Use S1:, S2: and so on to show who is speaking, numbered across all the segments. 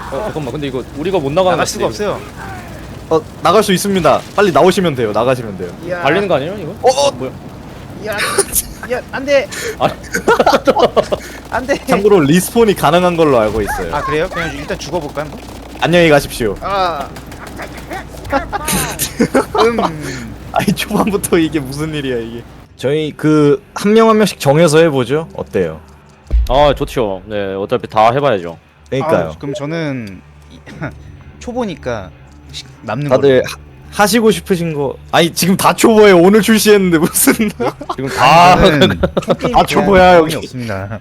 S1: 잠깐만, 근데 이거 우리가 못 나가는
S2: 나갈
S1: 것
S2: 수가
S1: 같은데,
S2: 없어요.
S3: 나갈 수 있습니다. 빨리 나오시면 돼요. 나가시면 돼요.
S1: 이거. 갈리는 거 아니에요, 이거? 뭐야?
S2: 야, 안돼.
S1: 아,
S2: 안돼.
S3: 참고로 리스폰이 가능한 걸로 알고 있어요.
S2: 아 그래요? 그냥 일단 죽어볼까 한번?
S3: 안녕히 가십시오.
S2: 아.
S3: 아니 초반부터 이게 무슨 일이야 이게. 저희 그 한 명 한 명씩 정해서 해보죠. 어때요?
S1: 아, 좋죠. 네, 어차피 다 해봐야죠.
S3: 그러니까요.
S2: 그럼 저는 초보니까 남는
S3: 다들
S2: 걸로.
S3: 하시고 싶으신 거. 아니 지금 다 초보예요. 오늘 출시했는데 무슨.
S1: 지금 다,
S2: 저는
S3: 다 초보야, 여기.
S2: 없습니다.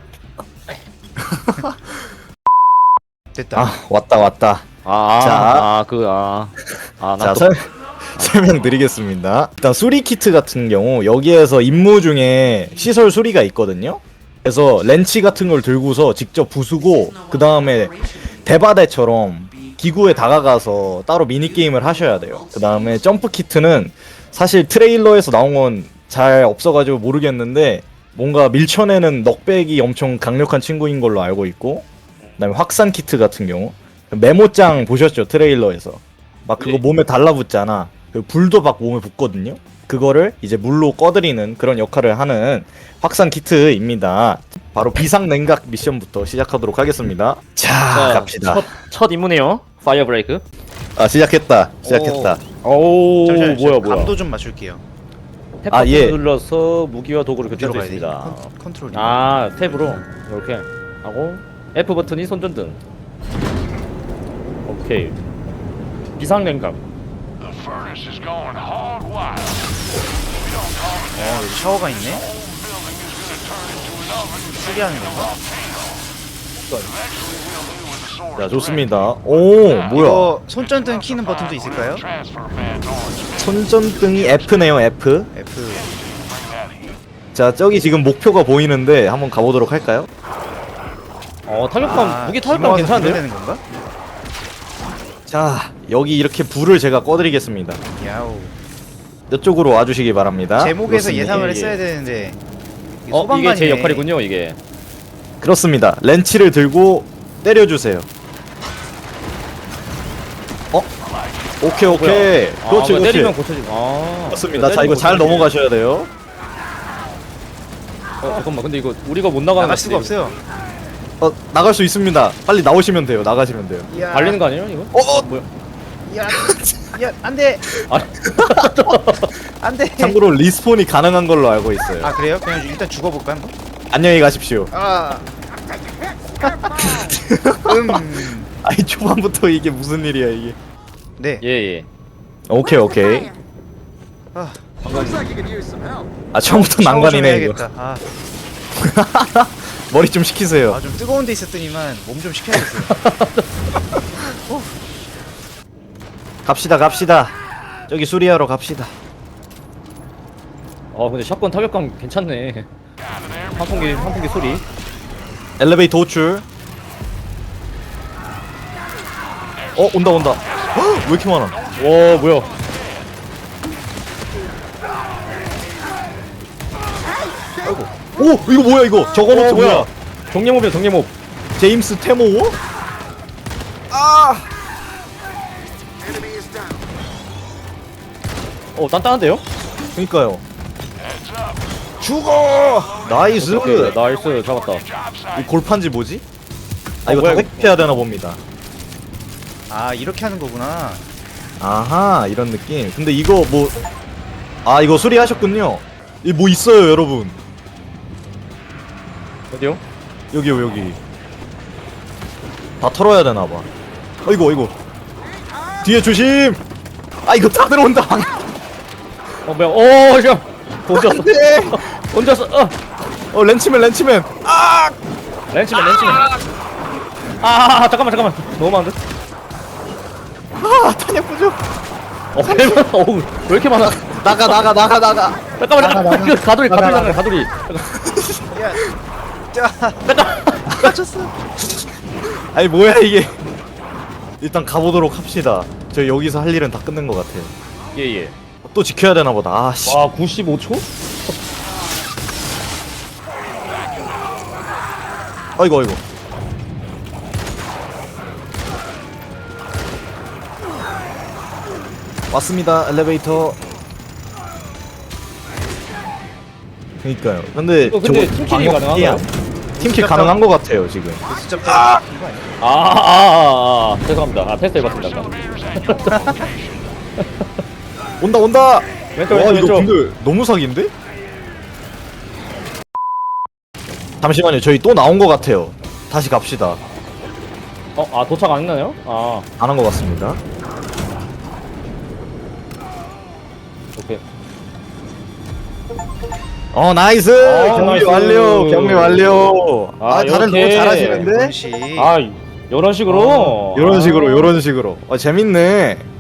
S2: 됐다.
S3: 아 왔다. 자.
S1: 나
S3: 자 설명드리겠습니다. 일단 수리 키트 같은 경우 여기에서 임무 중에 시설 수리가 있거든요. 그래서 렌치 같은 걸 들고서 직접 부수고 그 다음에 대바대처럼 기구에 다가가서 따로 미니게임을 하셔야 돼요. 그 다음에 점프 키트는 사실 트레일러에서 나온 건 잘 없어가지고 모르겠는데 뭔가 밀쳐내는 넉백이 엄청 강력한 친구인 걸로 알고 있고, 그 다음에 확산 키트 같은 경우 메모장 보셨죠? 트레일러에서 막 그거
S1: 네.
S3: 몸에 달라붙잖아. 그 불도 막 몸에 붙거든요. 그거를 이제 물로 꺼드리는 그런 역할을 하는 확산 키트입니다. 바로 비상 냉각 미션부터 시작하도록 하겠습니다. 자, 갑시다.
S1: 첫 임무네요. 파이어 브레이크.
S3: 시작했다.
S1: 오, 뭐야.
S2: 감도 좀 맞출게요.
S1: 탭
S3: 아,
S1: 버튼
S3: 예.
S1: 눌러서 무기와 도구를 교체할 수
S2: 어디로 가야 되지?
S1: 있습니다.
S2: 컨트롤이.
S1: 아, 탭으로 이렇게 하고 F 버튼이 손전등. 오케이. 비상 냉각.
S4: The furnace is going hog wild. We don't call it
S2: 여기 샤워가 있네.
S4: building is going to turn into an oven.
S2: 수리하는 건가?
S4: Eventually we'll do with the sword.
S3: 자, 좋습니다. 오, 뭐야?
S2: 이거 손전등 키는 버튼도 있을까요?
S4: Transfer fans on.
S3: 손전등이 F네요, F.
S2: F.
S3: 자, 저기 지금 목표가 보이는데 한번 가보도록 할까요?
S1: 타격감 무기 타격감
S2: 기모아서
S1: 괜찮은데요?
S2: 되는 건가?
S3: 자, 여기 이렇게 불을 제가 꺼드리겠습니다.
S2: 야우.
S3: 이쪽으로 와주시기 바랍니다.
S2: 제목에서
S3: 그렇습니다.
S2: 예상을
S1: 예,
S2: 했어야
S1: 예.
S2: 되는데.
S1: 이게 제
S2: 소방관이네.
S1: 역할이군요, 이게.
S3: 그렇습니다. 렌치를 들고 때려주세요. 오케이. 그렇지.
S1: 때리면 고쳐지고.
S3: 맞습니다. 자, 이거 잘 넘어가셔야 돼요.
S1: 잠깐만, 근데 이거 우리가 못 나가는
S2: 나갈
S1: 것
S2: 수가
S1: 같은데,
S2: 없어요.
S3: 나갈 수 있습니다. 빨리 나오시면 돼요. 나가시면 돼요.
S1: 이거. 갈리는 거 아니에요, 이거? 뭐야?
S2: 야, 안돼.
S1: 아,
S2: 안돼.
S3: 참고로 리스폰이 가능한 걸로 알고 있어요.
S2: 아 그래요? 그냥 일단 죽어볼까 한번?
S3: 안녕히 가십시오.
S2: 아.
S3: 아니 초반부터 이게 무슨 일이야 이게.
S2: 네.
S1: 예.
S3: 오케이.
S2: 아,
S3: 아 처음부터
S2: 샤워 좀
S3: 난관이네 이거.
S2: 해야겠다. 아,
S3: 머리 좀 식히세요.
S2: 좀 뜨거운 데 있었더니만 몸 좀 식혀야겠어요.
S3: 갑시다. 저기 수리하러 갑시다.
S1: 근데 샷건 타격감 괜찮네. 환풍기 소리.
S3: 엘리베이터 호출. 온다. 헉, 왜 이렇게 많아?
S1: 와, 뭐야?
S3: 오 이거 뭐야 이거? 저거
S1: 뭐야?
S3: 뭐야?
S1: 정례몹이야, 정례몹.
S3: 제임스 테모?
S1: 단단한데요?
S3: 그니까요. 죽어! 나이스.
S1: 오케이, 나이스, 잡았다.
S3: 이 골판지 뭐지? 이거
S1: 뭐야,
S3: 다
S1: 이거?
S3: 획해야 되나 봅니다.
S2: 아 이렇게 하는 거구나.
S3: 아하 이런 느낌. 근데 이거 뭐 이거 수리하셨군요. 이 뭐 있어요 여러분.
S1: 어디요?
S3: 여기 다 털어야 되나봐. 이거 뒤에 조심. 이거 다 들어온다.
S1: 뭐야? 저 던졌어.
S3: 안돼.
S1: 던졌어.
S3: 렌치맨.
S1: 렌치맨. 잠깐만. 너무 많은데?
S3: 탄약 부족.
S1: 왜 이렇게 많아?
S3: 나가.
S1: 잠깐만. 이거 가돌이.
S2: 야, 자, 맞췄어.
S3: 아니 뭐야 이게. 일단 가보도록 합시다. 저 여기서 할 일은 다 끝낸 것 같아요.
S1: 예.
S3: 또 지켜야 되나 보다. 아씨.
S1: 와, 95초?
S3: 아이고. 왔습니다. 엘리베이터. 그니까요. 근데
S1: 이거 근데 팀킬이 가능한가요?
S3: 팀킬 가능한 것 같아요 지금.
S2: 그 숫자 이거 아니야?
S1: 죄송합니다. 테스트 해봤습니다. 아까.
S3: 온다 온다.
S1: 왼쪽
S3: 와
S1: 왼쪽
S3: 이거
S1: 왼쪽.
S3: 근데 너무 사기인데? 잠시만요. 저희 또 나온 것 같아요. 다시 갑시다.
S1: 도착 안 했나요?
S3: 안 한 것 같습니다.
S1: 오케이.
S3: 나이스. 경리
S1: 나이스.
S3: 완료. 경리 완료. 다들 너무
S1: 이렇게.
S3: 잘하시는데?
S2: 원시.
S1: 이런 식으로.
S3: 요런 식으로. 재밌네.